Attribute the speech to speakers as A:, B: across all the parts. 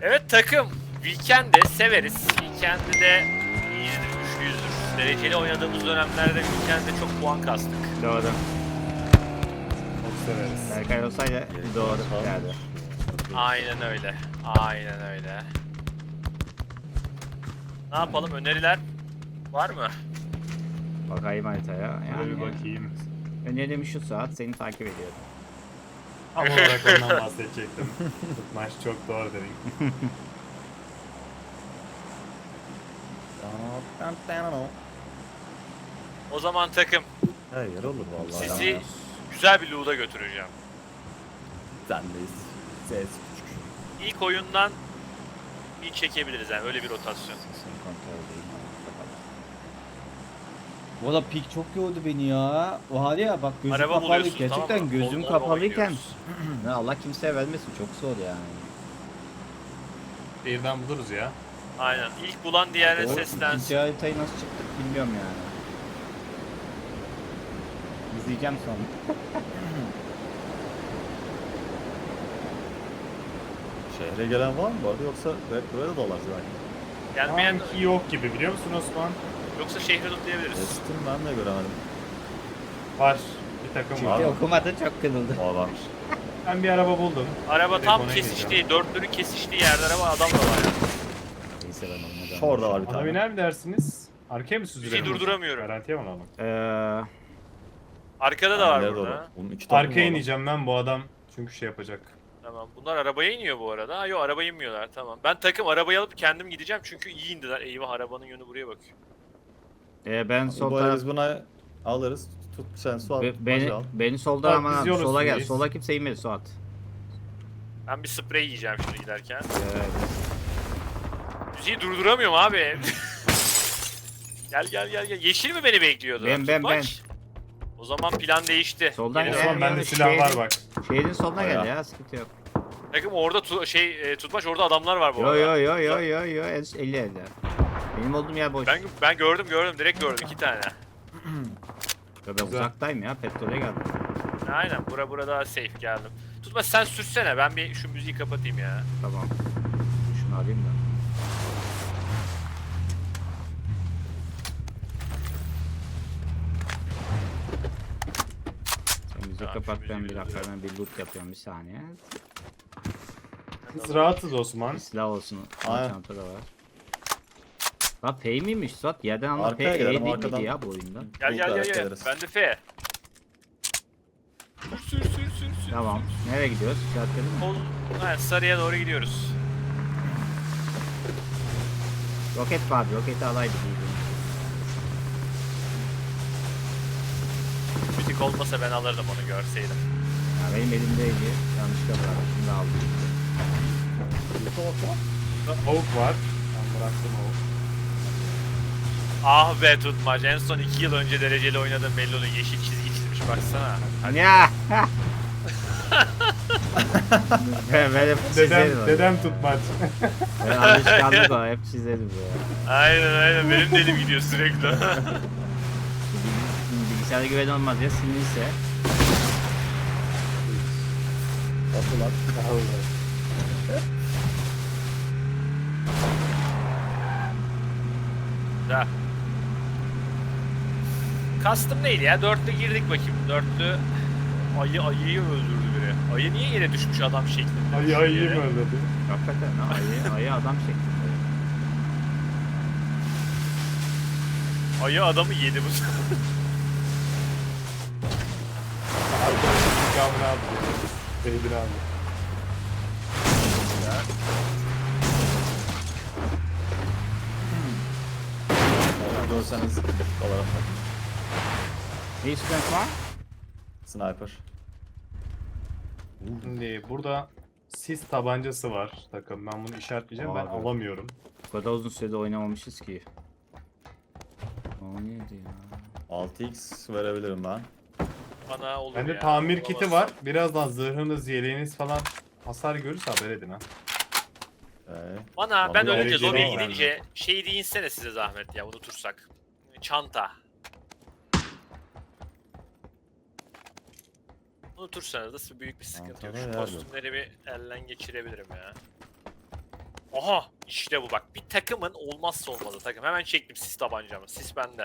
A: Evet takım. Weekend'de severiz. Weekend'de de iyidir, güçlüyüzdür. Dereceli oynadığımız dönemlerde Weekend'de çok puan kastık.
B: Doğru.
C: Çok severiz.
B: Berkay olsaydı doğru derdi.
A: Aynen öyle. Aynen öyle. Ne yapalım? Öneriler var mı?
B: Bakayım haritaya.
C: Böyle bir
B: Yani
C: bakayım.
B: önerim şu saat seni takip ediyorum.
C: Tam olarak ondan bahsedecektim. Tutmaç çok doğru dedin.
A: O zaman takım.
D: Her yer olur vallahi.
A: Sizi güzel bir loot'a götüreceğim.
D: Sendeyiz. Ses küçük.
A: İlk oyundan bir çekebiliriz yani öyle bir rotasyon.
D: Sesin kontrol değil.
E: Valla pik çok yordu beni ya. Var ya bak gözüm
A: Araba
E: kapalı.
A: buluyorsun,
E: Gerçekten
A: tamam mı?
E: gözüm
A: Onlarla
E: kapalıyken.
A: oynuyoruz.
B: Ne Allah kimseye vermesin çok zor yani.
C: Şehirden buluruz ya.
A: Aynen. İlk bulan diğerine
B: O
A: seslensin.
B: ikinci haritayı nasıl çıktık bilmiyorum yani. İzleyeceğim sonra.
D: Şehre gelen var mı bu arada yoksa hep böyle dolaşır belki.
A: Gelmeyen
C: Sanki yok gibi biliyor musun Osman?
A: yoksa şehri lootlayabiliriz.
D: Estim ben de göremedim.
C: Var. Bir takım
B: Çünkü
C: var.
B: okumadı çok kırıldı.
D: Aa varmış.
C: Ben bir araba buldum.
A: Araba
C: Direkt
A: tam
C: ona
A: kesiştiği, dörtlünün kesiştiği yerde araba adam da var ya.
B: Neyse ben olmadan.
D: Şurada var bir
C: Ona
D: tane.
C: biner mi dersiniz? Arkaya mı süzülelim?
A: Bizi durduramıyorum.
C: Garantiye mi alalım?
A: Arkada da var
D: İleri
A: burada.
D: doğru. Bunun iki tane
C: Arkaya
D: var.
C: ineceğim ben bu adam. Çünkü şey yapacak.
A: Tamam. Bunlar arabaya iniyor bu arada. Ha yok arabaya inmiyorlar. Tamam. Ben takım arabayı alıp kendim gideceğim çünkü iyi indiler. Eyvah arabanın yönü buraya bakıyor.
B: Ben sol
D: Bu arada
B: taraf...
D: biz buna alırız. Tut sen su al.
B: Beni,
D: Macı al.
B: beni solda
C: Bak,
B: aman
C: biz
B: abi,
C: yol
B: sola gel.
C: üstündeyiz.
B: Sola kimse inmedi Suat.
A: Ben bir sprey yiyeceğim şimdi giderken.
B: Evet.
A: Müziği durduramıyorum abi. Gel gel gel gel. Yeşil mi beni bekliyordu?
B: Ben.
A: Tutmaç. O zaman plan değişti.
B: Soldan
A: Geri
B: gel.
A: dön.
C: Osman bende
B: yani
C: silah var bak.
B: Şehrin soluna gel
D: Bayağı.
B: ya sıkıntı yok.
A: Takım orada tutmaç orada adamlar var bu
B: Yo
A: arada.
B: yo yo yo yo yo 50 50. Benim olduğum yer boş.
A: Ben gördüm direkt gördüm 2 tane.
B: Ben
C: Güzel.
B: uzaktayım ya petrole geldim.
A: Aynen bura daha safe geldim. Tutmaç sen sürsene ben bir şu müziği kapatayım ya.
B: Tamam. Şunu alayım da. Sen müziği
A: Tamam,
B: kapat
A: şu
B: ben
A: müziği
B: bir dakika
A: biraz-
B: ben bir loot yapıyorum bir saniye.
C: Biz rahatız Osman.
B: Bir silah olsun.
D: Aynen.
B: Çantada var. La P miymiş Suat? Yerden anla P
D: Arkaya
B: E
D: gidelim,
B: değil
D: arkadan.
B: miydi ya bu oyunda?
A: Gel gel
D: Bulutlar
A: gel gel.
D: ederiz.
A: Ben de F. Sür.
B: Tamam. Nereye gidiyoruz? İşaretledin mi?
A: Sol, evet, sarıya doğru gidiyoruz.
B: Roket var. Roketi alaydı iyiydi.
A: Müzik olmasa ben alırdım onu görseydim.
B: Ya benim elimdeydi. Yanlışlıkla bıraktım. Şimdi aldım.
C: Avuk var. Ben bıraktım avuk.
A: Ah be tutmaç. En son 2 yıl önce dereceli oynadığım belli oluyor. Yeşil çizgi çizmiş baksana. Hadi.
B: Ya. ben hep çizerim. onu.
C: Dedem tutmaç.
B: Ben alışkanlık o. Hep çizerim ya.
A: Aynen benim de elim gidiyor sürekli.
B: Bilgisayara güven olmaz ya sinirse.
D: Nasıl lan?
A: Da. Kastım neydi ya? Dörtlü girdik bakayım. Dörtlü ayıyı öldürdü biri. Ayı niye yere düşmüş adam şeklinde?
C: Ayı
A: düştü
C: ayıyı
A: yere?
C: mı öldürdü?
B: Hakikaten ha, ayı adam şeklinde.
A: Ayı adamı yedi bu sefer.
C: Arkadaşın intikamını aldı. Beybini aldı.
D: Görseniz olarak bak.
B: Ne istiyorsun var?
D: Sniper.
C: Şimdi burada sis tabancası var takım. Ben bunu işaretleyeceğim. Ben
B: Abi.
C: alamıyorum.
B: Bu kadar uzun sürede oynamamışız ki. O neydi ya?
D: 6x verebilirim ben.
A: Bana olur
C: Bende
A: ya.
C: tamir kiti
A: Olamazsam.
C: var. Birazdan zırhınız, yeleğiniz falan hasar görürse haber edin ha.
A: Bana ben
D: Abi,
A: ölünce
C: dereceli
A: lobiye
C: var
A: gidince şey deyinsene size zahmet ya unutursak. Çanta. Unutursanız da büyük bir sıkıntı yok.
D: Çantada
A: Şu
D: yer yok.
A: kostümleri bir elden geçirebilirim ya. Aha işte bu bak. Bir takımın olmazsa olmazı takım. Hemen çektim sis tabancamı. Sis bende.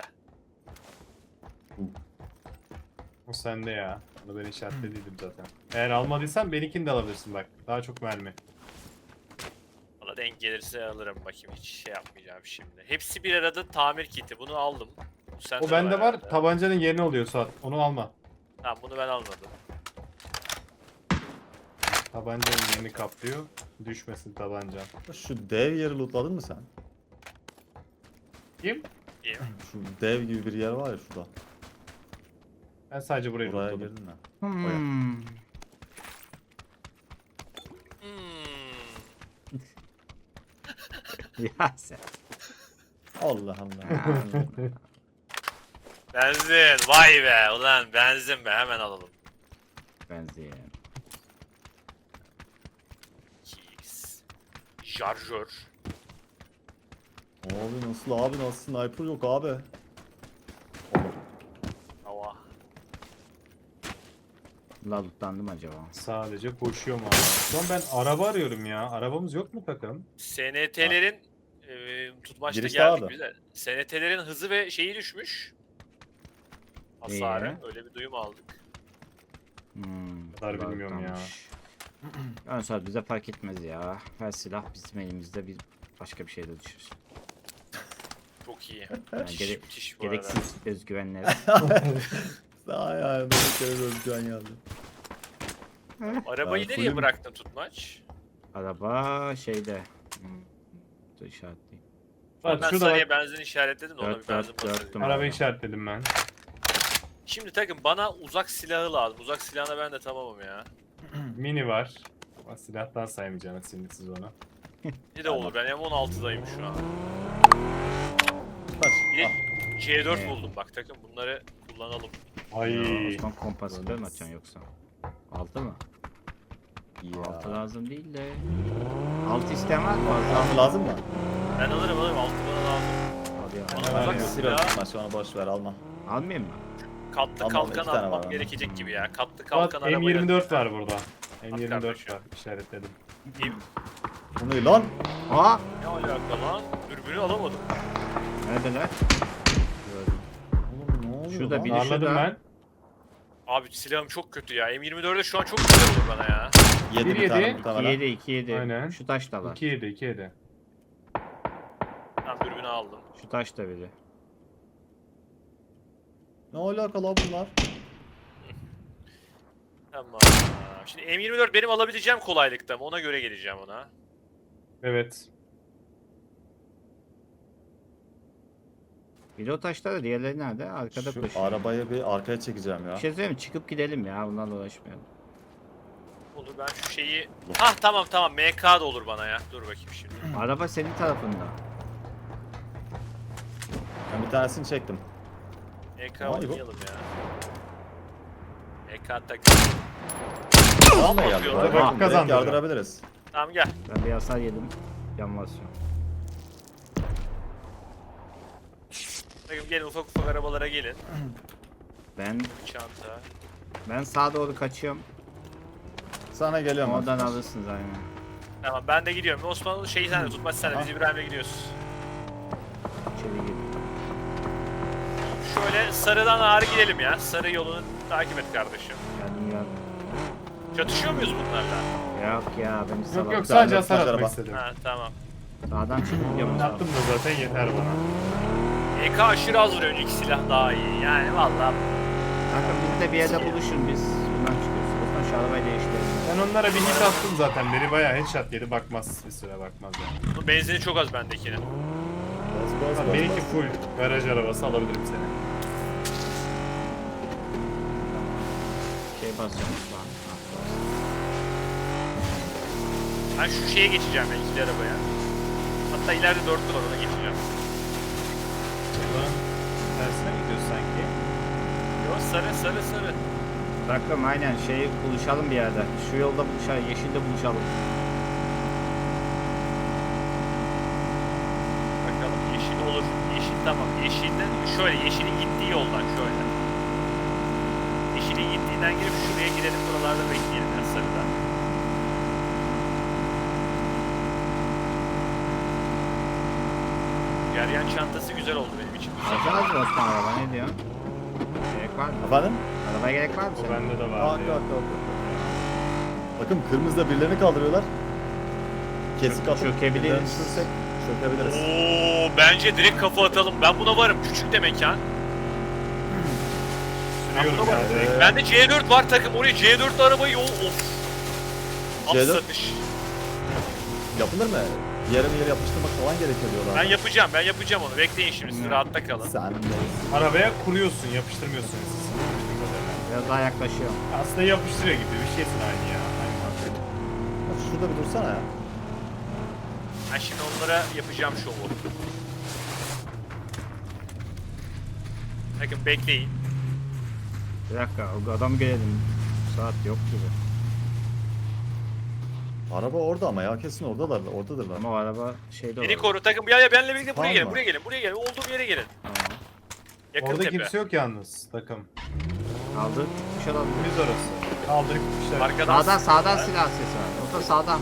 C: O sende ya. Onu ben işaretlediydim zaten. Eğer almadıysan benimkini de alabilirsin bak. Daha çok mermi.
A: Valla denk gelirse alırım bakayım. Hiç şey yapmayacağım şimdi. Hepsi bir arada tamir kiti. Bunu aldım. Bu sende
C: O bende var.
A: herhalde.
C: Tabancanın yerine oluyor Suat. Onu alma.
A: Tamam bunu ben almadım.
C: Tabancanın yerini kaplıyor. Düşmesin tabancan.
D: Şu dev yeri lootladın mı sen?
C: Kim?
A: İyi.
D: Şu dev gibi bir yer var ya şurada.
C: Ben sadece burayı
D: Buraya
C: lootladım.
D: girdin mi?
B: Hmm. Ya sen.
D: Allah Allah.
A: Benzin. Vay be. Ulan benzin be. Hemen alalım.
B: Benzin.
A: Keys. Şarjör.
D: Abi nasıl sniper yok abi.
A: Hava.
B: Lalutlandım acaba.
C: Sadece koşuyorum abi. Şu an ben araba arıyorum ya. Arabamız yok mu takım?
A: SNT'lerin tutmaçta
D: Girişte
A: geldik
D: abi.
A: bize. SNT'lerin hızı ve şeyi düşmüş. Hasarı.
B: Niye?
A: Öyle bir duyum aldık.
C: Kadar bilmiyorum ya.
B: Ön saat bize fark etmez ya. Her silah bizim elimizde, bir başka bir şey de düşür.
A: Çok iyi.
B: Yani
A: Müthiş, müthiş bu arada.
B: gereksiz özgüvenler.
D: Daha yani bir kere özgüven geldi.
A: Arabayı
D: Ben
A: nereye
D: fullüm.
A: bıraktın tutmaç?
B: Araba şeyde. Dur işaretleyeyim.
C: Bak
A: Ben
C: şurada
A: sarıya
C: bak.
A: benzin işaretledim de ona bir benzin basayım.
B: Dörttüm
C: Araba
B: abi.
C: işaretledim ben.
A: Şimdi takım bana uzak silahı lazım. Uzak silahına ben de tamamım ya.
C: Mini var. Ama silahtan saymayacağım şimdi siz onu.
A: Ne de olur ben M16'dayım şu an.
D: Kaç.
A: Bir de
D: Ah,
A: C4
B: Evet.
A: buldum bak takım bunları kullanalım.
C: Ay.
B: Osman kompasitör mü atacaksın yoksa? 6 mı?
D: ya.
B: 6 lazım değil de. 6 isteyen var mı?
D: Tamam lazım mı?
A: Ben alırım 6 bana lazım.
B: Al ya.
A: Bana
C: Var
A: uzak
C: ya.
A: silah
D: Siro şu an boş ver alma.
B: Almayayım mı?
A: katlı
D: Tamam,
A: kalkan
D: iki tane var
A: almam
D: bende.
A: gerekecek gibi ya. Katlı
C: Bak
A: kalkan arabayla.
C: M24 var burada. M24
A: kardeşim.
C: var işaretledim.
D: Bu ne lan?
B: Aa!
A: Ne alaka lan? Dürbünü alamadım.
B: Neredeler?
D: Oğlum ne oluyor
B: Şurada
D: lan?
B: bir-
C: Darladım
B: şurada.
C: ben.
A: Abi silahım çok kötü ya. M24'de şu an çok güzel olur bana ya.
D: Yedi
C: Bir
D: bir tane
C: yedi.
B: 2
D: muhtemelen.
B: 7 2 7.
C: Aynen.
B: Şu taş da var.
C: 2-7 2-7.
A: Tamam dürbünü aldım.
B: Şu taş da biri.
D: Ne alaka lan bunlar?
A: Tamam. Şimdi M24 benim alabileceğim kolaylıkta mı? Ona göre geleceğim ona.
C: Evet.
B: Biri o taşta da, diğerleri nerede? Arkada
D: Şu
B: koşuyor.
D: arabayı bir arkaya çekeceğim ya.
B: Bir şey söyleyeyim mi? Çıkıp gidelim ya. Bunlarla uğraşmayalım.
A: Olur ben şu şeyi... Hah tamam MK da olur bana ya. Dur bakayım şimdi.
B: Araba senin tarafında.
D: Ben bir tanesini çektim.
A: MK
D: Vay be.
A: oynayalım ya. MK tak.
D: Tamam
A: bakıyor
D: geldi.
A: lan.
C: Vakit
D: Direkt
C: kazandırıyor.
D: yardırabiliriz.
A: Tamam gel.
B: Ben bir hasar yedim. Yan basıyorum.
A: Bakın gelin ufak arabalara gelin.
B: Ben
A: Çanta.
B: sağa doğru kaçıyorum.
D: Sana geliyorum.
B: Oradan
D: Osman.
B: alırsınız aynen.
A: Tamam ben de gidiyorum. Osman şeyi sen de tutmaç sen de. Biz İbrahim'le gidiyoruz.
B: İçeri gir.
A: Şöyle sarıdan ağrı gidelim ya. Sarı yolunu takip et kardeşim.
B: Geldim geldim.
A: Çatışıyor muyuz bunlarla?
B: Yok ya beni
C: Yok
B: salar.
C: yok sadece
D: Ben-
C: hasar
D: ben
C: atmak
D: araba.
C: istedim.
A: Ha tamam.
B: Sağdan çıkıp gidiyorum.
C: Yaptım da zaten yeter bana.
A: EK aşırı az vuruyor. Önceki silah daha iyi. Yani vallahi
B: Kanka biz de bir yerde buluşun, biz buradan çıkıyoruz. Buradan şu arabayı değiştirelim.
C: Ben onlara bir hit attım zaten. Biri bayağı headshot yedi bakmaz. Bir süre bakmaz yani.
A: bunun benzini çok az bendekinin.
D: Bas bas bas.
C: Benimki full garaj arabası alabilirim seni.
B: Şey basıyormuş falan.
A: Ben şu şeye geçeceğim ya ikili arabaya. Hatta ileride dörtlü var ona geçeceğim.
C: Ulan tersine gidiyoruz sanki.
A: Yo sarı.
B: Takım aynen şey buluşalım bir yerde. Şu yolda buluşalım, yeşilde buluşalım.
A: Bakalım yeşil olur. Yeşil tamam. Yeşilden şöyle yeşilin gittiği yoldan şöyle. Yeşilin gittiğinden girip şuraya gidelim. Buralarda bekleyelim ya sarıda. Geryan çantası güzel oldu benim için.
B: Alacağız mı Osman araba ne diyorsun? Gerek var mı?
D: Efendim?
B: Arabaya gerek var mı
C: O
B: senin?
C: bende de
D: Aa,
C: var.
D: yok, yok, yok. Bakın kırmızıda birilerini kaldırıyorlar. Kesik atıp
B: Çökebiliriz.
D: birilerini düşürsek çökebiliriz.
A: Oo, bence direkt kafa atalım. Ben buna varım. Küçük de mekan.
C: Sürüyorum
A: buna
C: ya
A: bak.
C: direkt.
A: Bende C4 var takım. Oraya C4'lü arabayı yol. Of.
D: C4?
A: Satış.
D: Yapılır mı? Yarım yere yapıştırmak falan gerekiyor diyorlar.
A: Ben yapacağım onu. Bekleyin şimdi. Siz rahatta kalın.
D: Sen de.
C: Arabaya kuruyorsun, yapıştırmıyorsun siz.
B: Biraz daha yaklaşıyorum.
C: Aslında yapıştırıyor gibi bir şeysin aynı ya. Aynı mantık.
D: Şurada bir dursana ya.
A: Ben şimdi onlara yapacağım şovu. Bakın bekleyin.
B: Bir dakika o adam gelelim. Saat yok gibi.
D: Araba orada ama ya kesin oradadırlar.
B: Ama o araba şeyde
A: Beni
B: olur.
A: koru takım. Ya benle birlikte buraya
D: Tamam
A: gelin.
D: mı?
A: Buraya gelin. Olduğum yere gelin.
B: Tamam.
A: Yakın
C: Orada
A: tepe.
C: kimse yok yalnız takım.
B: Aldı. Gitmiş olabilir.
C: Biz orası. Kaldırıp gitmişler.
A: Arkadan
B: Sağdan silah sesi var. O da sağdan.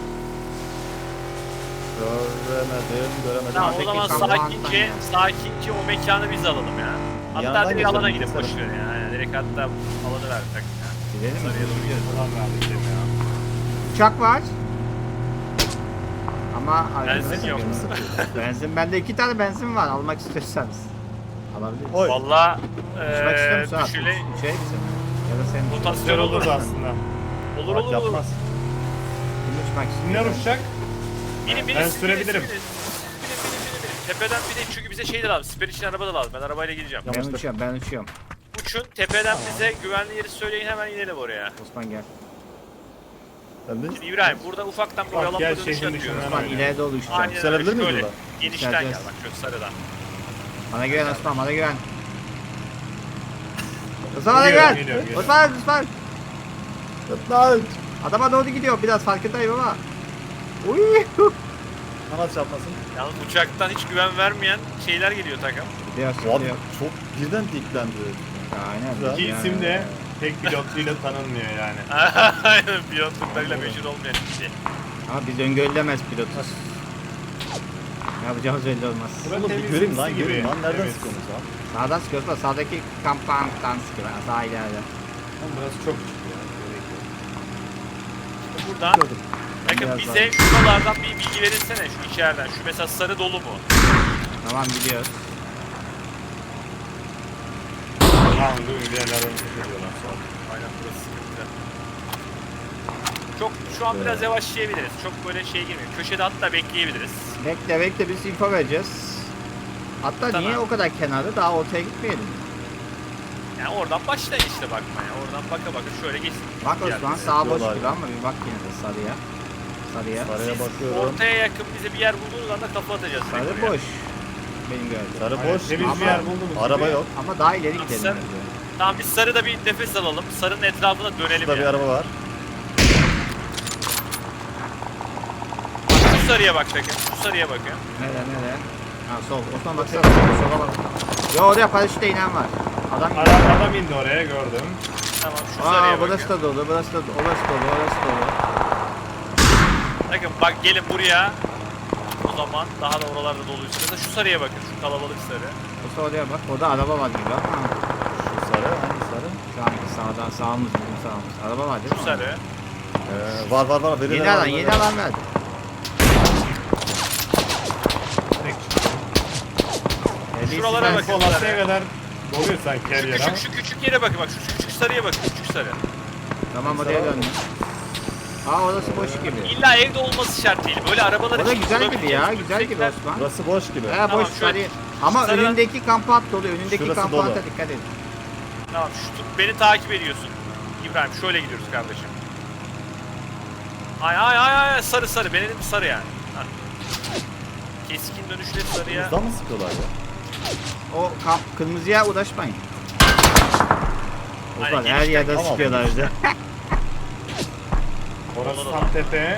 D: Göremedim.
A: Tamam o
B: Peki,
A: zaman
B: tamam,
A: sakince o mekanı biz alalım ya. Hatta
D: Yandan
A: direkt
D: geçelim,
A: alana gidip
D: geçelim.
A: boşver ya. Yani direkt hatta alanı ver takım ya.
B: Gidelim mi?
A: Sarıya doğru gidelim.
C: Ulan verdik demi ya.
B: Uçak var. Ama
A: Benzin yok.
B: Benzin bende 2 tane benzin var. Almak istiyorsanız. Alabiliriz.
D: Oy.
A: Valla
B: Uçmak istiyor musun? Abi?
A: düşüle
B: Şey bizim. Ya da senin.
A: rotasyon
C: Güzel
A: olur.
C: olurdu aslında.
A: Olur
D: Bak
A: olur.
D: yapmaz.
B: Kim uçmak
C: Kimler
B: istiyor?
C: uçacak?
A: Binin
C: Ben sürebilirim.
A: Binin. Tepeden bir de çünkü bize şey de lazım. Siper için araba da lazım. Ben arabayla gideceğim.
D: Yamaçta.
B: Ben uçuyorum.
A: Uçun tepeden bize güvenli yeri söyleyin hemen inelim oraya.
B: Osman gel.
D: Ben de
A: Şimdi İbrahim burada ufaktan bir
C: Bak,
A: oyalanma
C: gel
A: dönüşü
C: şehrin
A: atıyoruz.
C: dışından
B: Osman
C: Aynen.
B: ileri doğru uçacağım.
A: Aynen öyle.
D: Yükselebilir miyiz
A: Şöyle
D: burada?
A: genişten gel
B: Yükseleceğiz.
A: bak şöyle sarıdan.
B: Bana güven Osman, bana güven. Osman bana
C: Geliyorum,
B: güven.
C: geliyorum.
B: Osman.
D: Lan!
B: Adama doğru gidiyor. Biraz farkındayım ama. Uy.
D: Kanat çarpmasın.
A: Yalnız uçaktan hiç güven vermeyen şeyler geliyor takım.
B: Gidiyor,
D: Abi
B: gidiyor.
D: çok birden diklendi.
B: Aynen.
D: Güzel.
C: İki
B: Yani.
C: isim de tek pilotluyla tanınmıyor yani.
A: Aynen pilotluklarıyla meşhur olmayan bir şey.
B: Ama biz öngörülemez pilotuz. Ne yapacağımız belli olmaz.
C: Burası
D: Oğlum bir
C: temiz
D: göreyim lan
C: simsi gibi.
D: göreyim lan. Nereden
C: Evet.
D: sıkıyorsunuz lan?
B: Sağdan sıkıyoruz da sağdaki kampanyaktan sıkıyorlar. Sağ ileride.
C: Oğlum burası çok küçük ya. Gerek yok.
A: Buradan
B: Gördüm.
A: bakın
B: Biraz
A: bize şuralardan bir bilgi verirsene şu içeriden. Şu mesela sarı dolu mu?
B: Tamam gidiyoruz.
C: Tamam dur bir yerlerden çıkıyorlar sonra.
A: Aynen burası sıkıntı. Çok şu an biraz yavaşlayabiliriz. Çok böyle şey girmiyor. Köşede hatta bekleyebiliriz.
B: Bekle biz info vereceğiz. Hatta
A: Tamam.
B: niye o kadar kenarda daha ortaya gitmeyelim?
A: Yani oradan başlayın işte bakmaya. Oradan baka şöyle geçsin.
B: Bak
A: Yani
B: Osman sağ boş
D: diyorlar.
B: gibi ama bir bak yine de sarıya.
D: Sarıya
A: Siz
D: bakıyorum.
A: ortaya yakın bize bir yer bulduğunuz anda kafa atacağız. direkt
B: Sarı
A: oraya.
B: boş. Benim gördüğüm.
D: Sarı
C: Aynen,
D: boş.
C: temiz
B: Ama
C: bir yer buldunuz.
D: Araba yok.
B: Ama daha ileri gidelim
A: Sen-
B: bence.
A: Tamam biz sarıda bir nefes alalım. Sarının etrafına dönelim
D: Şurada bir
A: yani.
D: araba var.
A: Şu sarıya bak bakın. Şu sarıya bakın.
B: Nerede? Ha sol. Osman baksana sola bak. Yo oraya paraşütle inen var. Adam
C: Adam indi oraya gördüm.
A: Tamam şu sarıya
B: Aa burası
A: bakın.
B: da dolu, burası da dolu, orası dolu.
A: Bakın bak gelin buraya. O zaman daha da oralarda doluysa. Mesela şu sarıya bakın. Şu kalabalık sarı.
B: Osman oraya bak. Orada araba var gibi ama.
D: Şu sarı. Hangi sarı?
B: Şu anki sağımız bizim sağımız. Araba var değil mi?
A: Şu sarı.
D: Var. Birileri
B: Yeni
D: var,
B: alan,
D: birileri
B: yeni
D: var.
B: alan verdi.
C: Direkt çıktım.
A: Şuralara
B: Ben-
A: bakın.
C: Polatlı'ya kadar doluyor sanki her yer ama.
A: Şu küçük yere bakın bak. Şu küçük sarıya bakın. Küçük sarı.
B: Tamam oraya döndüm. Aa orası boş gibi.
A: İlla evde olması şart değil. Böyle arabalar
B: O da
A: için
B: güzel gibi ya,
A: kullanabileceğimiz
B: güzel gibi
A: yüksekler-
B: Osman.
D: Burası boş gibi.
B: He
A: Tamam,
B: boş
A: şöyle-
B: sarı. Ama
A: sarı-
B: önündeki kamp at dolu, önündeki
D: Şurası
B: kamp
D: dolu.
B: ata dikkat edin.
A: Tamam beni takip ediyorsun. İbrahim şöyle gidiyoruz kardeşim. Ay sarı benim sarı yani. Hah. Keskin dönüşle sarıya.
D: Buradan mı sıkıyorlar ya?
B: O kamp kırmızıya uğraşmayın.
A: Aynen,
B: Osman her
A: genişten-
B: yerden
D: Tamam.
B: sıkıyorlar bize.
C: Orası tam tepe.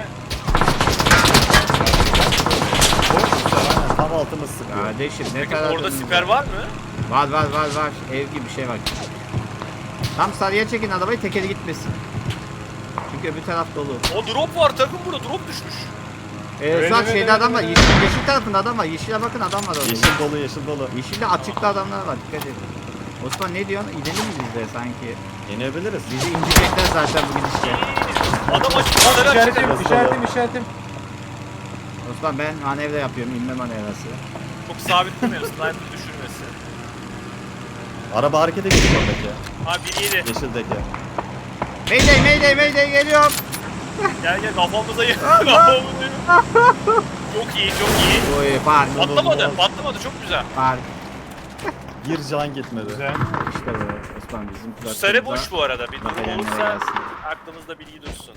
D: Boş aynen tam altımız sıkıyor.
B: Kardeşim ne
A: Peki
B: kadar
A: orada
B: önümüzde.
A: siper var mı?
B: Var. Ev gibi bir şey var. Tam sarıya çekin arabayı tekeri gitmesin. Çünkü öbür taraf dolu.
A: O drop var takım burada drop düşmüş.
C: Evet,
B: Suat
C: evet,
B: şeyde
C: evet,
B: adam var.
C: evet.
B: Yeşil tarafında adam var. Yeşile bakın adam var orada.
D: Yeşil dolu yeşil dolu.
B: Yeşilde açıkta adamlar var. Dikkat edin. Osman ne diyorsun? İnelim mi biz de sanki?
D: Yenebiliriz.
B: Bizi indirecekler zaten bu gidişle.
A: Adam açık. Sarı açık.
C: İşaretim, işaretim, işaretim.
B: Osman ben manevra yapıyorum. İnme manevrası.
A: Çok sabit durmuyoruz. Sniper düşürmesi.
D: Araba harekete geçiyor oradaki.
A: Ha 1-7.
D: Yeşildeki.
B: Mayday mayday mayday geliyorum.
A: Gel gel kafamıza yık. Kafamıza Çok iyi çok iyi.
B: Oy park
A: Patlamadı patlamadı çok güzel.
B: park.
D: Bir can gitmedi.
C: Güzel.
B: İşte bu Osman bizim
A: Bu sarı boş bu arada. Bir durum
B: Bakalım
A: olursa
B: nereye gelsin.
A: aklımızda bilgi dursun.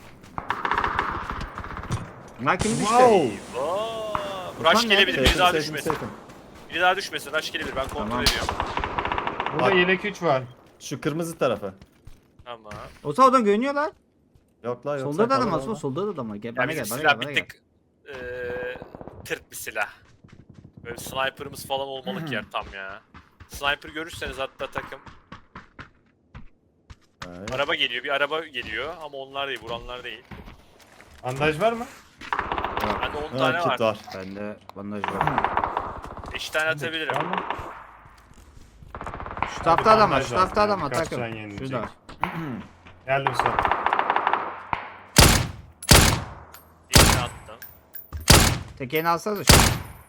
B: Bunlar kim düştü?
D: Wow.
A: Rush
B: Osman
A: gelebilir.
B: nerede?
A: Biri daha
D: Safe,
A: düşmesin.
D: safe.
A: Biri daha düşmesin. Rush gelebilir. Ben kontrol
B: Tamam.
A: ediyorum.
C: Burada
D: Bak.
C: yelek 3 var.
D: Şu kırmızı tarafı.
A: Tamam.
B: Osman oradan görünüyorlar.
D: Yok la yok.
B: Solda
D: sen
B: da adam
D: kal
B: var.
D: orada.
B: Osman solda da adam var. Gel
A: Ya
B: bana
A: bizim
B: gel bana
A: silah
B: gel bana
A: bir
B: gel.
A: tık tırt bir silah. Böyle sniper'ımız falan olmalı ki yer tam ya. Sniper görürseniz hatta takım.
D: Evet.
A: Araba geliyor. Bir araba geliyor ama onlar değil. Vuranlar değil.
C: Bandaj var mı?
A: Bende 10
D: Ha,
A: tane
D: kit
A: var.
D: var.
B: Bende bandaj var.
A: 5 tane atabilirim.
C: Var mı?
B: Şu tarafta adam var.
C: bandaj
B: Şu tarafta
C: lazım
B: adam var
C: yani, kaç
B: takım.
C: can yenilecek?
B: Şurada.
C: Geldim sonra.
A: Birini attım.
B: Tekerini alsanıza şu.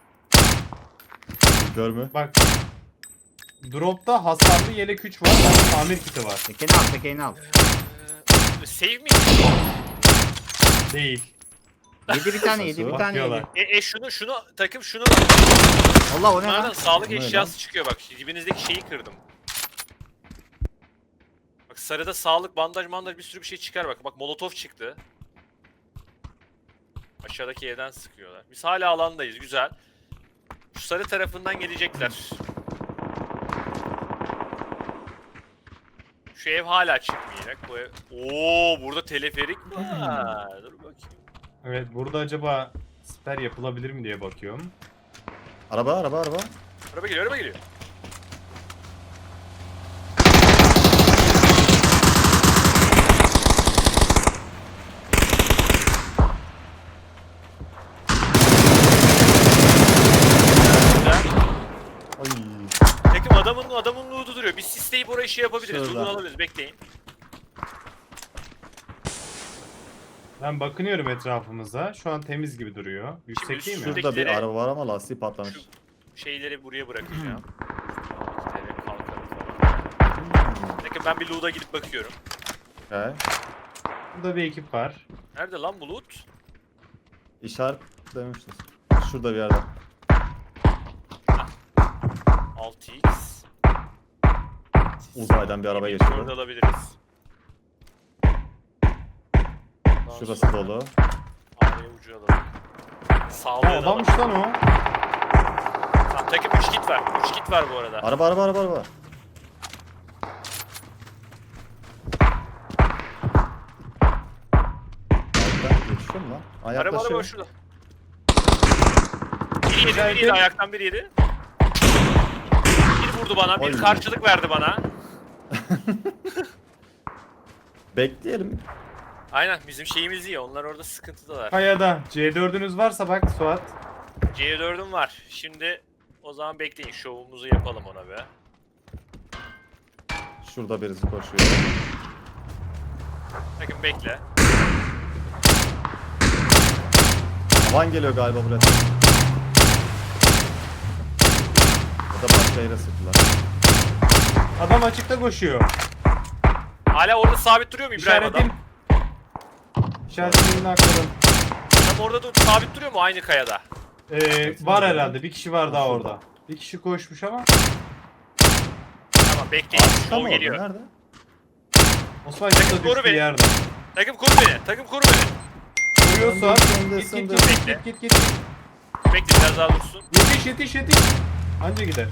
D: Görmü.
C: Bak. Drop'ta hasarlı yelek 3 var. Bende tamir kiti var.
B: Tekeni al tekeni al.
A: Save mi?
C: Değil.
B: Yedi bir tane yedi bir tane
C: Bakıyorlar.
B: yedi.
A: Şunu takım şunu
B: Allah o ne
A: bunlardan
B: lan?
A: sağlık
D: O ne
A: eşyası çıkıyor bak. Dibinizdeki şeyi kırdım. Bak sarıda sağlık bandaj mandaj bir sürü bir şey çıkar bak. Bak molotof çıktı. Aşağıdaki evden sıkıyorlar. Biz hala alandayız güzel. Şu sarı tarafından gelecekler. Şu ev hala çıkmayacak. Bu ev... Oo burada teleferik var. Dur bakayım.
C: Evet burada acaba siper yapılabilir mi diye bakıyorum.
D: Araba.
A: Araba geliyor, araba geliyor. Güzel.
D: Ay.
A: Takım adamın loot'u duruyor. Biz sisleyip oraya şey yapabiliriz.
D: Şurada.
A: Loot'unu alabiliriz. Bekleyin.
C: Ben bakınıyorum etrafımıza. Şu an temiz gibi duruyor. Yüksek
A: Şimdi
C: değil mi?
A: şurada-
D: Şurada bir
A: Buradakileri-
D: araba var ama lastiği patlamış.
A: Şu şeyleri buraya bırakacağım. İşte kalkarız falan. Takım ben bir loot'a gidip bakıyorum.
D: Okay.
C: Burada bir ekip var.
A: Nerede lan bu loot?
D: İşaret demiştir. Şurada bir yerde.
A: 6x.
D: Uzaydan bir araba
A: Orada
D: geçiyor.
A: alabiliriz. Ondan
D: Şurası
A: sonra
D: dolu.
A: Araya ucu alalım. Sağlığı
C: Ha
A: da alalım.
C: adammış lan o.
A: Tamam, takım 3 kit var. 3 kit var bu arada.
D: Araba. Ben geçiyor mu lan? Aa,
A: Araba
D: yaklaşıyor.
A: şurada. Biri yedi, ayaktan biri yedi. Bir vurdu bana, bir
D: Oy.
A: karşılık verdi bana.
D: Bekleyelim.
A: Aynen bizim şeyimiz iyi, onlar orada sıkıntıdalar.
C: Kayada. C4'ünüz varsa bak Suat.
A: C4'üm var. Şimdi o zaman bekleyin, şovumuzu yapalım ona be.
D: Şurada birisi koşuyor.
A: Bakın bekle.
D: Havan geliyor galiba buraya. Ya da başka yere sıktılar.
C: Adam açıkta koşuyor.
A: Hala orada sabit duruyor mu İbrahim adam?
C: İşaretim. İşaretimini akladım.
A: Adam orada sabit duruyor mu aynı kayada?
C: Var herhalde. Bir kişi var daha orada. Bir kişi koşmuş ama.
A: Tamam bekleyin,
D: Tam
A: şov
D: orada,
A: geliyor.
D: nerede?
C: Osman şurada
A: koru
C: düştü
A: beni.
C: yerde.
A: Takım koru beni, takım koru beni.
C: Koruyor Suat.
D: Söndü,
C: Git
D: söndü.
C: git
A: Bekle.
C: git git git.
A: Bekle biraz daha dursun.
C: Yetiş. Anca gider.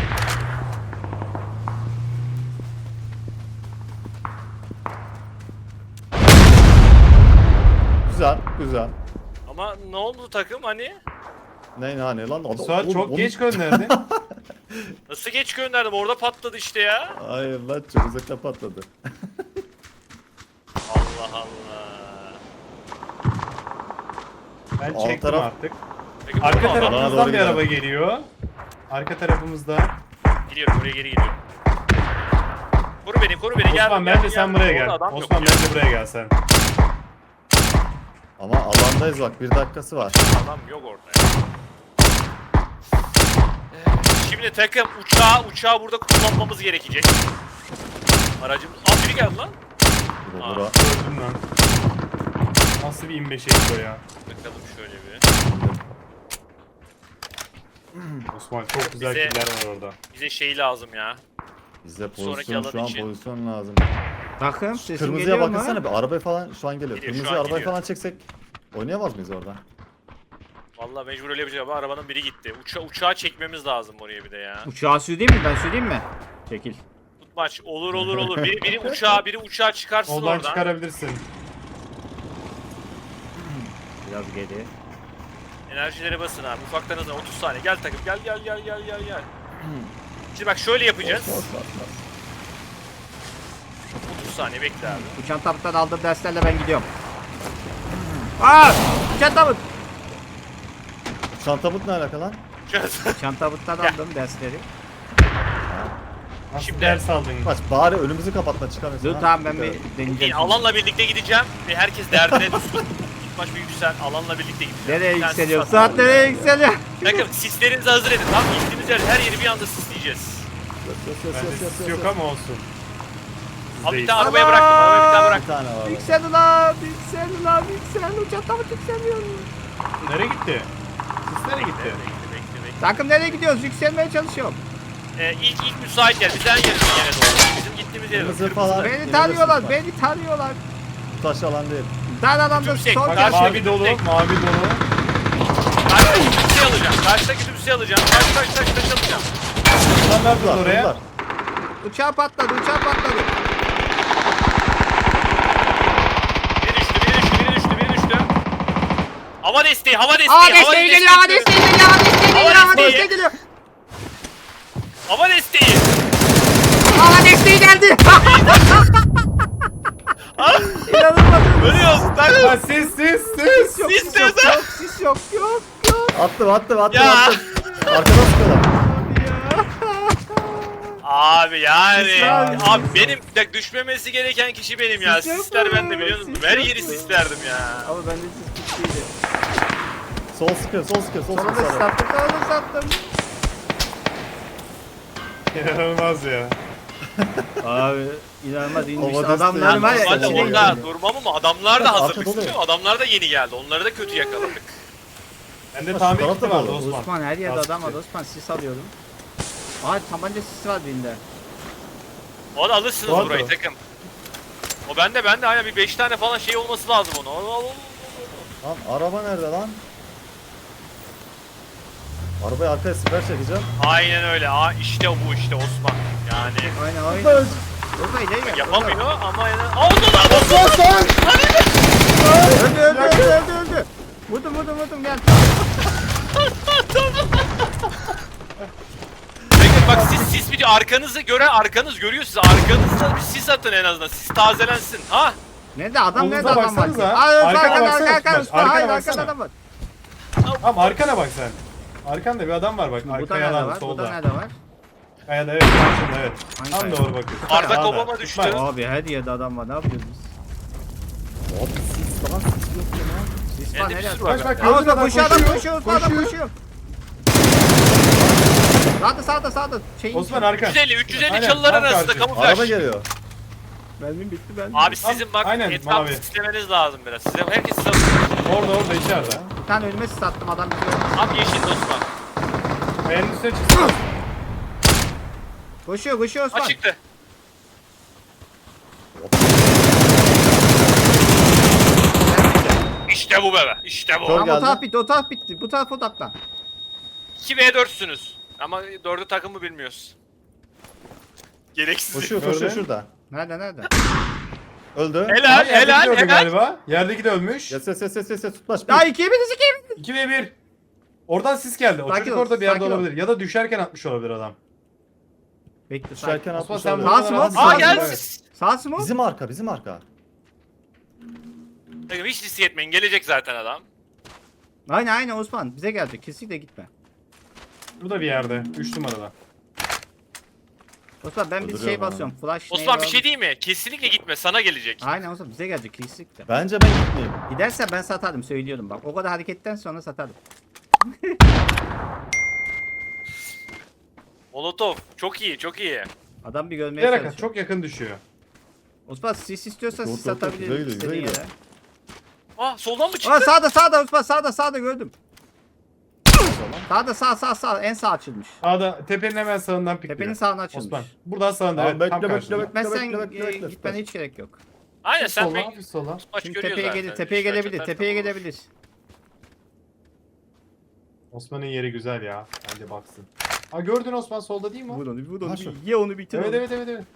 D: Güzel.
A: Ama ne oldu takım hani?
D: Ne lan? Adam,
C: Suat
D: oğlum,
C: çok
D: onu-
C: geç gönderdi.
A: Nasıl geç gönderdim? Orada patladı işte ya.
D: Hayır lan çok uzakta patladı.
A: Allah Allah.
C: Ben
D: Alt
C: çektim
D: taraf-
C: artık.
A: Peki,
C: Arka
A: bu adam-
D: Alana
C: tarafımızdan
D: doğru
C: bir
D: gidelim.
C: araba geliyor. Arka tarafımızda.
A: Gidiyorum oraya geri gidiyorum. Koru beni gel.
C: Osman bence sen buraya gel.
A: Adam yok
C: Osman
A: ya.
C: bence buraya gel sen.
D: Ama alandayız bak, 1 dakikası var.
A: Adam yok orada ya. Şimdi takım uçağı burada kullanmamız gerekecek. Aracımız... Aa biri geldi lan.
D: Bura,
A: Aa.
D: bura.
C: Gördüm lan. Nasıl bir 25 bu ya?
A: Bakalım şöyle bir.
C: Osman çok güzel
A: Bize-
C: killer var orada.
A: Bize şey lazım ya.
D: Bize
A: Sonraki
D: pozisyon,
A: alan
D: şu an
A: için.
D: pozisyon lazım.
B: Bakın sesim
D: Kırmızıya
B: geliyor mu?
D: bakınsana bir, arabaya falan şu an geliyor.
A: Geliyor, şu
D: Kırmızıya
A: an
D: arabayı
A: geliyor.
D: falan çeksek oynayamaz mıyız orada?
A: Vallahi mecbur öyle bir şey ama arabanın biri gitti. Uçağı çekmemiz lazım oraya bir de ya.
B: Uçağı süreyim mi? Ben süreyim mi? Çekil.
A: Tutmaç olur. Biri uçağı çıkarsın
C: Soldan
A: oradan.
C: çıkarabilirsin.
B: Biraz geri.
A: Enerjileri basın abi. Ufaktan hızlı 30 saniye. Gel takım. Gel. Şimdi bak şöyle yapacağız. 30 saniye bekle abi.
B: Uçan tabuttan aldığım derslerle ben gidiyorum. Aa! Uçan tabut!
D: Çantabut ne alaka lan?
B: Uçan tabuttan
A: Gel.
B: aldım dersleri.
C: Nasıl
A: Şimdi-
C: ders aldın?
D: Kaç bari önümüzü kapatma, çıkamıyorsun.
B: Dur
D: ha.
B: tamam ben bir
A: Değil,
B: deneyeceğim.
A: alanla birlikte gideceğim ve herkes derdine düşsün. İlk baş bir yüksel. Alanla birlikte gideceğim.
B: Nereye
A: Bir tane
B: yükseliyor?
A: sis at.
B: Saat nereye yükseliyor?
A: Bakın sislerinizi hazır edin. Tamam mı? Gittiğimiz her yeri bir anda sisleyeceğiz.
C: Bende sis yok ama olsun.
A: Abi bir
C: Değil.
A: tane arabaya bıraktım. Arabaya bir tane
D: Bir
A: bıraktım.
D: tane var.
B: Yüksel ulan! Yüksel ulan! Yüksel! Uçan tabut yükseliyor.
C: Nereye gitti? Sis nereye gitti?
A: Bekle.
B: Takım nereye gidiyoruz? Yükselmeye çalışıyorum.
A: İlk müsait yer. Biz en yakın yere doğru. Bizim gittiğimiz yere doğru.
D: Kırmızı falan.
B: Beni
D: Yine
B: tanıyorlar,
D: de
B: beni tanıyorlar.
D: Taş alan değil.
B: Dar alanda
A: Yüksek,
B: son
A: bak,
B: kez.
A: karşı-
C: Mavi dolu, mavi dolu.
A: Karşıdaki tümseyi alacağım. Karşıdaki tümseyi alacağım. Taş alacağım.
C: Sen ne yaptın
D: Durdular,
C: oraya?
D: durdular.
B: Uçağı patladı.
A: Biri düştü. Hava desteği.
B: Aa desteği geliyor, hava desteği geliyor, hava desteği geliyor, hava
A: Hava
B: desteği
A: desteği.
B: geliyor.
A: Hava desteği.
B: Hava desteği geldi. İnanılmaz.
A: Ölüyoruz.
C: Ha, sis.
B: Yok,
A: Sis
B: sis yok.
D: Attım.
A: Ya.
D: Arkadan sıkıyorlar.
A: Abi yani.
B: Sis var.
A: Abi benim bak düşmemesi gereken kişi benim ya.
B: Sis yok
A: Sisler
B: mu?
A: bende biliyor musun?
B: Sis
A: Her
B: yok
A: yeri
B: mu?
A: sislerdim ya.
B: Ama bende sis gittiydi.
D: Sol sıkıyor.
B: Sonra da sattım.
C: İnanılmaz ya.
B: Abi inanılmaz inmiş.
D: Hava
B: Adamlar var ya
D: desteği.
A: Normalde
B: içine
D: Hadi
A: orada
B: girdi.
A: durmam ama adamlar da
D: Arka
A: hazırlık
D: dolu.
A: istiyor. Adamlar da yeni geldi. Onları da kötü yakaladık.
C: Bende tamir
D: Taraf
C: kiti
D: da
C: vardı
D: dolu.
C: Osman.
B: Osman her yerde
C: Lastik.
B: adam var. Osman sis alıyorum. Aa tabanca sisi var birinde.
A: O da alırsınız
C: Doğru.
A: burayı takım. O bende hala bir 5 tane falan şey olması lazım onu.
D: Lan araba nerede lan? Arabayı arkaya siper çekeceğim.
A: Aynen öyle. İşte bu Osman. Yani
B: Aynen. Orada ileri gel.
A: yapamıyor ama yani... Oldu lan!
B: Öldü. Vurdum gel.
A: Bakın bak sis bir arkanızı gören arkanız görüyor sizi. Arkanızda bir sis atın en azından. Sis tazelensin. Ha?
B: Nerede adam
C: Kolunuza
B: nerede adam var?
C: baksanıza.
B: Aa
C: Arkana baksana,
B: arka
C: Osman. Arkana
B: hayır
C: baksana.
B: arkada adam var.
C: Tamam arkana bak sen. Arkanda bir adam var bak.
B: Bu da
C: Arka
B: nerede
C: yalan
B: var? Bu da
C: solda.
B: nerede var?
C: Kayada evet. Karşında evet.
B: Hangi
C: Tam
B: kaya?
C: doğru bakıyorsun.
A: Arda
C: Sağda.
A: Kobama düştü.
C: Tutma.
B: Abi her yerde adam var. Ne yapıyoruz biz?
D: Abi sis lan, sis yok ya lan.
B: Sis
A: Bende
B: var
A: bir
B: nereye?
A: sürü var.
C: Bak bak
B: Ama
C: gördün adam
B: koşuyor
C: koşuyor.
B: adam koşuyor. Sağda. Şeyin
C: Osman arka.
A: 350
C: Aynen,
A: çalılar
C: tam
A: arasında
C: karşı.
A: kamuflaj.
D: Araba geliyor.
B: Mermim bitti ben.
A: Abi sizin bak
C: Aynen,
A: etrafı
C: mavi.
A: sislemeniz lazım biraz. Herkes size...
C: Orada içeride.
B: Bir tane önüme sis attım adam bizi öldürdü.
A: Abi yeşil Osman.
C: Kayanın üstüne çıksın.
B: Koşuyor Osman.
A: Açıktı. İşte bu bebe. İşte bu.
D: Kör
B: Tamam
D: geldi.
B: o taraf bitti. Bu taraf odaklan.
A: 2v4'sünüz. Ama 4'ü takımı bilmiyoruz. Gereksiz.
D: Koşuyor
C: Gördün.
D: şurada.
B: Nerede?
D: Öldü.
A: Helal
C: Yerdeki de öldü
A: helal.
C: galiba. Yerdeki de ölmüş.
D: Yes tutmaç.
B: Ya ikiye biriz.
C: 2v1. Oradan sis geldi. O
B: Sakin
C: çocuk
B: ol,
C: orada bir yerde
B: sakin ol.
C: olabilir. Ya da düşerken atmış olabilir adam.
B: Bekle
D: Düşerken
C: Osman
D: atmış
C: sen
D: olabilir.
B: Sağ
C: buradan
B: mı?
C: at.
B: Aa,
A: Aa gel
C: Evet.
A: siz.
B: Sağ mı?
D: Bizim arka.
A: Takım hiç risk etmeyin. Gelecek zaten adam.
B: Aynen Osman bize gelecek kesinlikle gitme.
C: Burada bir yerde. 3 numarada.
B: Osman ben bir şey
D: Öldürüyorum
B: basıyorum flash.
A: Osman bir
B: neydi
A: şey
B: o?
A: değil mi? Kesinlikle gitme, sana gelecek.
B: Aynen Osman bize gelecek kesinlikle.
D: Bence ben gitmeyeyim.
B: Giderse ben satardım söylüyorum bak o kadar hareketten sonra satardım.
A: Molotov çok iyi, çok iyi.
B: Adam bir görmeye
C: Yere
B: çalışıyor.
C: çok yakın düşüyor.
B: Osman sis istiyorsan
D: Dur,
B: sis
D: dur, dur, güzel
B: atabilirim
D: gidiyor, güzel
B: istediğin
D: gidiyor.
B: yere.
A: Aa soldan mı
B: Aa
A: çıktı?
B: sağda Osman sağda gördüm. Sağda en sağ açılmış.
C: Sağda tepenin hemen sağından pikliyor.
B: Tepenin sağına açılmış.
C: Osman. Buradan sağında
D: Abi
C: evet.
D: bekle,
C: Tam
D: bekle,
C: karşında.
D: bekle.
B: Gitmezsen
D: Bekle.
B: gitmene hiç gerek yok.
A: Aynen sen
C: Sola,
A: bek.
C: hafif sola.
A: Maç
B: Çünkü
A: görüyor
B: tepeye
A: zaten.
B: gelir, tepeye
A: İşler
B: gelebilir,
A: çatar
B: tepeye
A: tamam.
B: gelebilir.
C: Osman'ın yeri güzel ya. Bence baksın. Ha gördün Osman solda değil mi o?
B: Vur
D: Ha, şu.
B: ye onu bitir
C: Evet
B: onu.
C: evet.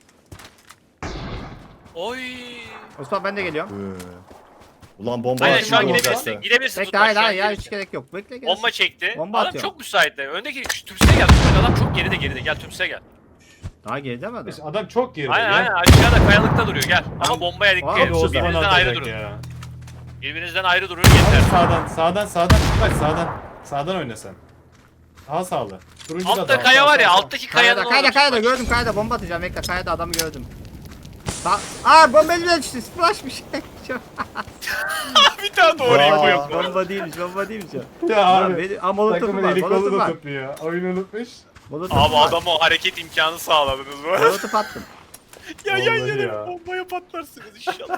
A: Oy.
B: Osman ben de geliyorum.
D: Ulan bomba
A: Aynen
C: Aynen,
A: şu an
C: bomba
A: gidebilirsin.
C: zaten.
A: Gidebilirsin
B: Bekle
A: Tutmaç, şu an
B: hayır hiç
A: gidebilirsin.
B: gerek yok. Bekle gel.
A: Bomba çekti.
B: Bomba
A: Adam
B: atıyor.
A: çok müsaitti. Öndeki tümseye gel. Tutmaç, adam çok geride. Gel tümseye gel.
B: Daha geride mi adam?
C: İşte adam çok geride
A: Aynen
C: ya.
A: aynen aşağıda kayalıkta duruyor gel. Ama bombaya dikkat
B: Abi,
A: edin.
C: Osman
A: Birbirinizden ayrı
C: atacak
A: durun.
C: ya.
A: Birbirinizden ayrı durun yeter.
C: Sağdan. Bak sağdan oyna sen. Daha sağlı. Turuncu da
A: Altta
C: daha.
A: kaya var ya,
C: Sağ.
A: alttaki kayanın orada
B: Kayada
A: Tutmaç.
B: gördüm kayada bomba atacağım bekle kayada adamı gördüm. Bomba bile düştü splash bir şey.
A: Bir tane doğru
D: Vay.
A: info yok.
B: Bomba değilmiş o.
C: Ya abi.
B: Molotof'um
C: Takımın
B: var
C: eli kolu
B: molotof
C: da
B: var.
C: tutuyor. Oyunu unutmuş.
B: Molotof'um
A: Abi
B: var.
A: adama hareket imkanı sağladınız mı?
B: Molotof attım.
A: Ya
C: Vallahi
A: yan
C: ya.
A: yana bombaya patlarsınız inşallah.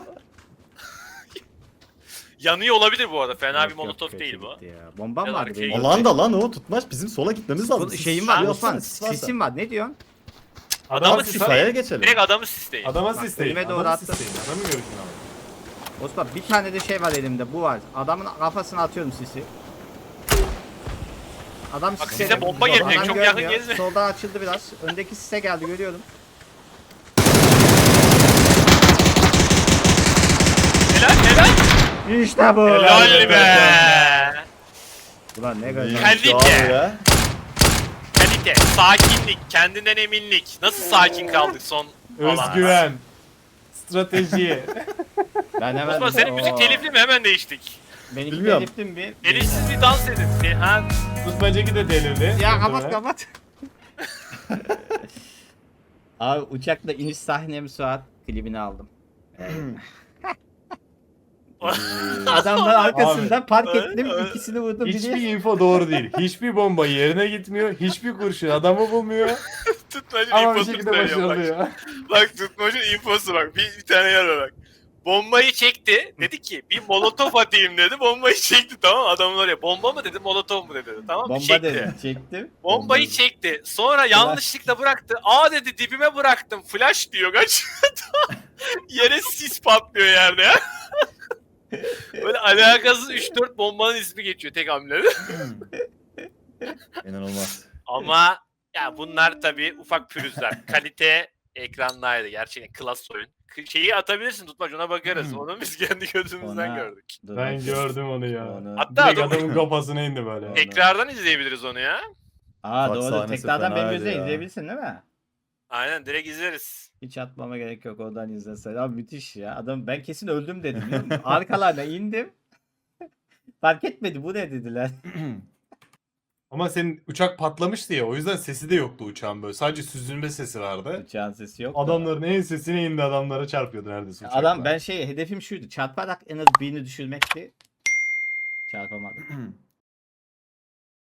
A: Yanıyor olabilir bu arada. Fena bir
B: Yok,
A: molotof
B: kötü
A: değil bu.
B: gitti ya. Bombam
A: Gel
B: vardı
A: arkaya
B: benim.
A: gel.
D: Alanda lan o tutmaç. Bizim sola gitmemiz lazım.
B: Bu şeyim var
A: Ha,
B: Osman.
D: sis varsa.
B: Sisim var. Ne diyorsun?
A: Adamı
C: Bak,
D: Siz
A: sisteyin.
D: sayaya geçelim.
A: Direkt adamı sisteyin.
C: Adama
B: Bak,
C: sisteyin.
B: önüme doğru
C: Adamı
B: attı.
C: sisteyin. Adamı görüşün abi.
B: Osman bir tane de şey var elimde. Bu var. Adamın kafasına atıyorum sisi. Adam
A: Bak
B: sise
A: size bomba gelecek,
B: Adam
A: çok yakın
B: görmüyor.
A: gezme.
B: Soldan açıldı biraz. Öndeki sise geldi görüyorum.
A: Helal.
B: İşte bu.
A: Helal be.
B: Ulan ne kadar.
A: Kalite.
D: Şu abi ya.
A: Kalite, sakinlik, kendinden eminlik. Nasıl sakin kaldık son alanda?
C: Özgüven. Strateji.
B: Ben hemen.
A: Osman senin müzik telifli mi? Hemen değiştik.
B: Benimki
D: Bilmiyorum.
B: teliftim bir.
A: Telifsiz bir dans edin. Ha?
C: Tutmacaki de delirdi.
B: Ya kapat. Abi uçakla iniş sahnemi Suat klibini aldım. Adamlar arkasından park ettim, ikisini vurdum.
C: Hiçbir
B: Biri
C: info doğru değil. Hiçbir bomba yerine gitmiyor. Hiçbir kurşun adamı bulmuyor.
A: Tutmacın
C: Ama bir
A: infosunu
C: şekilde
A: söylüyorum bak.
C: başarılıyor.
A: Bak tutmacın infosu bak. Bir tane yer var bak. Bombayı çekti. Dedi ki bir molotof atayım dedi. Bombayı çekti tamam. Adamın oraya bomba mı dedi molotof mu dedi. Tamam mı?
B: bomba
A: Çekti.
B: dedim, çektim.
A: Bombayı çekti. Sonra yanlışlıkla bıraktı. Aa dedi dibime bıraktım. Flash diyor kaç. Yere sis patlıyor yerde ya. Böyle alakasız 3-4 bombanın ismi geçiyor tek hamlede.
D: İnanılmaz.
A: Ama ya bunlar tabii ufak pürüzler. Kalite ekrandaydı. Gerçekten klas oyun. Şeyi atabilirsin Tutmaç ona bakarız. Onu biz kendi gözümüzden
B: Ona-
A: gördük.
B: Dur,
C: Ben
B: bak.
C: gördüm onu ya.
A: Hatta
C: Direkt
A: adam
C: adamın kafasına indi böyle.
A: tekrardan izleyebiliriz onu ya.
B: Aa
D: Bak
B: doğru,
D: sahnesi
B: tekrardan benim
D: fenaydı
B: gözle
D: ya.
B: izleyebilirsin değil mi?
A: Aynen direkt izleriz.
B: Hiç atmama gerek yok oradan izlesen. Abi müthiş ya. Adam ben kesin öldüm dedim. biliyor musun? Arkalarına indim. Fark etmedi bu ne dediler.
C: Ama senin uçak patlamıştı ya o yüzden sesi de yoktu uçağın böyle. Sadece süzülme sesi vardı.
B: Uçağın sesi yok.
C: Adamların en sesine indi adamlara çarpıyordu neredeyse uçakla.
B: Adam ben hedefim şuydu. Çarparak en az birini düşürmekti. Çarpamadım.